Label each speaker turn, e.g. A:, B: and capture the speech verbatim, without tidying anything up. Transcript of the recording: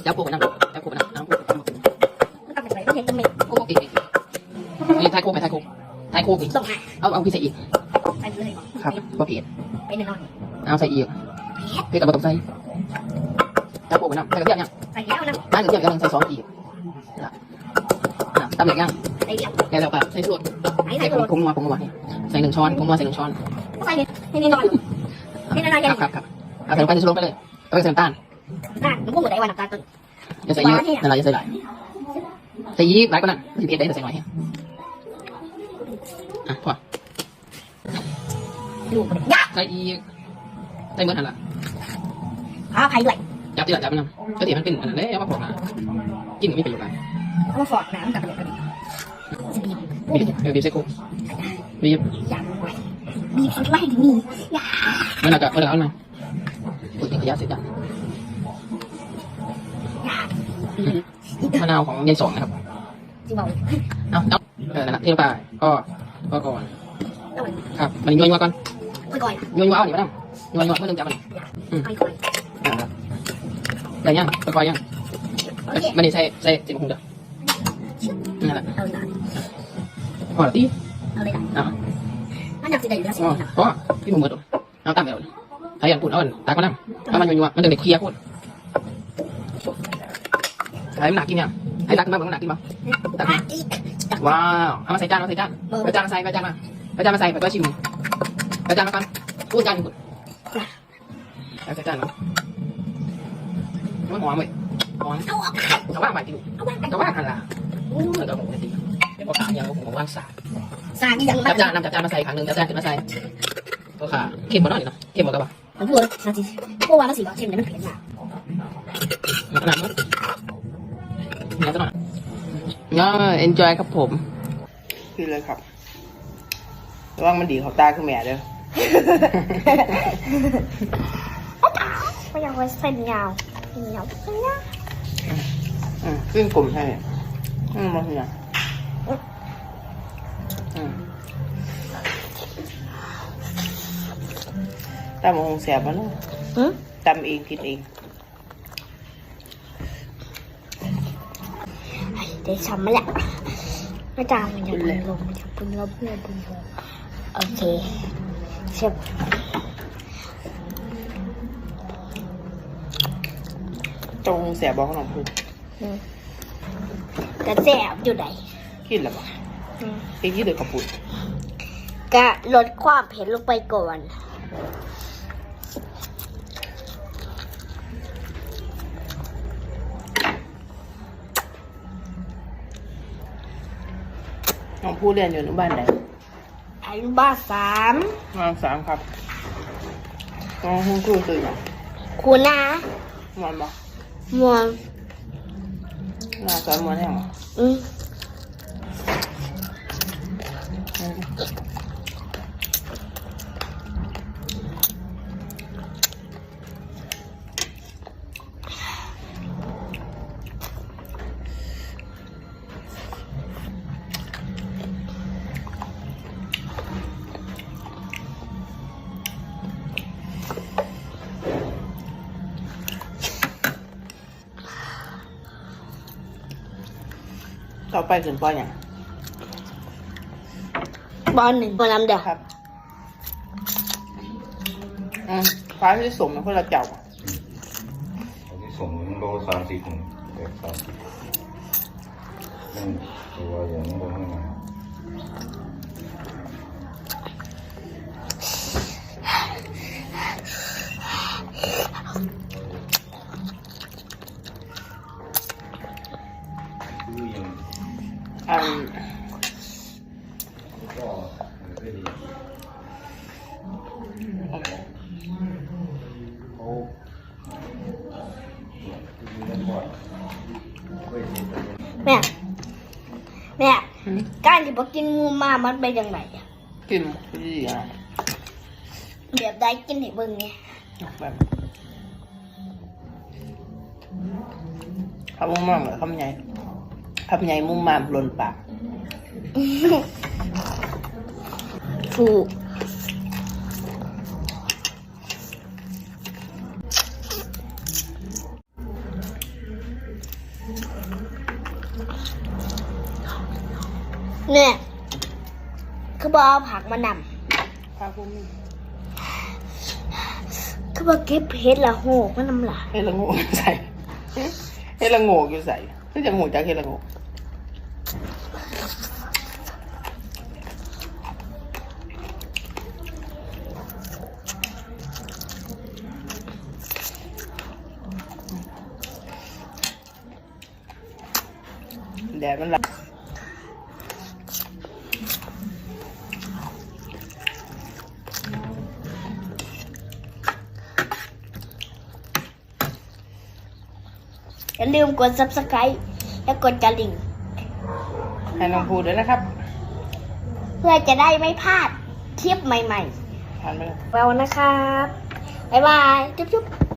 A: จับโคกไปนั่งจับโคกไปนั่งน้ำโคกไปนั่ง
B: มันต้องเป็นอะไรต้องเห็นตรงนี้
A: โคกอีกนี่ทายโคกไปทายโคกทายโคกอีก
B: ต้องหา
A: เอาเอาพี่ใส่อีก
B: ไปเลย
A: ครับก็เผ็ด
B: ไปหนึ่งนอน
A: เอาใส่อีกเผ็ดกับผสมใส่จับโคกไปนั่งใส่กระเทียมยัง
B: ใส่แล้วนะ
A: น้ำกระเทียมยังใส่ซอสอีกตำเหล็กยัง
B: ใส่เดียว
A: แล้วเราก็ใส่ส่วน
B: ใส่
A: ใส่
B: ใส่
A: ผ
B: ตัว
A: งผงนัวผงนัวใส่หนึ่งช้อนผงนัวใส่หนึ่งช้อน
B: ใส่ให้ในนอนให้ในนอน
A: ค
B: ยั
A: รั
B: ง
A: บครับครับเอาใส่ลงไปในชุดลงไปเลยเอาไปใส่น้ำตาล
B: น่าหนูพูดเหมือนไอ้วันน้ำตาลต้น
A: อย่าใส่เยอะนั่นแหละอย่าใส่หลายใส่ยี่หลายกว่านั้นสิบเอ็ดได้แต่ใส่หน่อยอ่ะพอ
B: ดูมันยาก
A: ใส่อีกใส่เมื่อทันละ
B: อ้าวใครด้วย
A: จับที่หลังจับมันนำก็ที่มันเป็นอันนั้นเลยเอามาพอกนะกินไม่ประโยชน์อะไร
B: เอามาฟอดน้ำกับเด็กกัน
A: บีบเออบีบใส่คุกบีบ
B: อยากไว้บีบสุดไล่ถึงนี่อยาก
A: มันอาจจะมันอาจจะเอาหน่อยปุ๋ยขยะเสร็จจ้ะมะนาวของยายสองนะครับ
B: จริงบอก
A: เอาเอาเออนั่นแหละที่ลงไปก็ก็ก่อน
B: ต้อง
A: ครับมันยัวยัวก่อน
B: ไปก่อน
A: ยัวยัวเอาหนิมาดำยัวยัวเมื่อนึงจับมัน
B: ไปก่อน
A: อ่าครับได้ยังค่อยๆยัง
B: โอเค
A: มันนี่ใส่ใส่สิบหกเด้อนั่นแหละ
B: เอาเลย
A: พอแล้วตี
B: เอาเลย
A: อ่ะ
B: มันอยากจะได้เรือสิ
A: อ๋อเพราะพี่หมูเบิดเอาตามไปเลยใครอยากพูดเอาตาก็นั่งถ้ามันยัวยัวมันเด็กเคลียร์พูดใครมันหนักกินยังไอ้ตักมามันหนักกินมั้งตัก
B: อีก
A: ว้าวเอามาใส่จานเอาใส่จานไปจานมาใส่ไปจานมาไปจานมาใส่ไปก็ชิมไปจานมาก่อนพูดจานพูดใส่จานเนาะมันหอมเลยหอม
B: เอาออก
A: แต่ว่าใหม่ที่ดู
B: เอาไว้
A: แต่ว่าหันละเหมือนกับผมจริงเป็นพ่อขาอย่างผมผมว่างสา
B: สารยัง
A: จับจานนำจับจานมาใส่ขังหนึ่งจับจานขึ้นมาใส่พ่อขาเข้มหมดหน่อยเนาะเข้มหมดกับว่า
B: ผมพูดนะจีเพราะว่ามันสีบอกเข้มเนี่ยมันเผ็ดมาก
A: ขนาดนั้นนี่จะหน่อยก็เอนจอยครับผมกินเลยครับระวังมันดีเขาตาคือแม่เด้อ
B: ไม่อยากไว้เส้นยาวเส้นยาวเส้นยาว
A: อืมขึ้นกลุ่มใช่อืมมันเนี่ยอืมตำมะฮงแสบมันเนาะตำเองกินเอง
B: เดี๋ยวช้ำมาแหละไม่จางมันจะเป็นลมมันจะเป็นลมเพื่อนเป็นลมโอเคเชฟ
A: ตรงแสบบอกขนมพู
B: กระแสบอยู่ไหน
A: กินแล้วปะเองยี่เดือดกระปุก
B: กะลดความเผ็ดลงไปก่อน
A: น้องผู้เรียนอยู่อนุบาลไหน
B: อนุบาลสาม
A: อนุบาลสามครับน้องคุณครูตื่นยัง
B: คุณนะ
A: นอนบ่
B: มวน
A: นอนสอนมวนยัง
B: อืม
A: ต่อไปถึงปอย่าง
B: บอลหนึ่งบอลลำเดียว
A: ครับอืมฟ้าที่สมมันคนละเจ้า
C: อันนี้ส่งโลสามสิบหนึ่งแปดสามสิบนั่นตัวอย่างนี้โลเท่าไหร่คือยัง
A: อืม
C: ก็ไม่ดีเขา
B: แม่แม่การที่บอกกินงูมามันเป็นยังไงอะ
A: กินดีอ่ะ
B: แบบได้กินให้เบิ่งเนี่ย
A: แบบคำมุ่งมั่งเหรอคำใหญ่คำใหญ่มุ่งมั่งหล่นปาก
B: ถูกเนี่ยคือบอกเอาผักมาน
A: พาคุณ
B: ำคือบอกเก็บเห็ดละโหกมันน้ำหลา
A: เฮ็ดละโงกใส่เฮ็ดละโงกอยู่ใส่คือจะโงกจากเฮ็ดละโงกแดดมันละ
B: อย่าลืมกด ซับสไครบ์ และกดกระดิ่ง
A: ให้น้องพูดด้วยนะครับ
B: เพื่อจะได้ไม่พลาดคลิปใหม่
A: ผ่านไปเลย
B: ๆเรานะครับ บ๊ายบาย จุ๊บๆ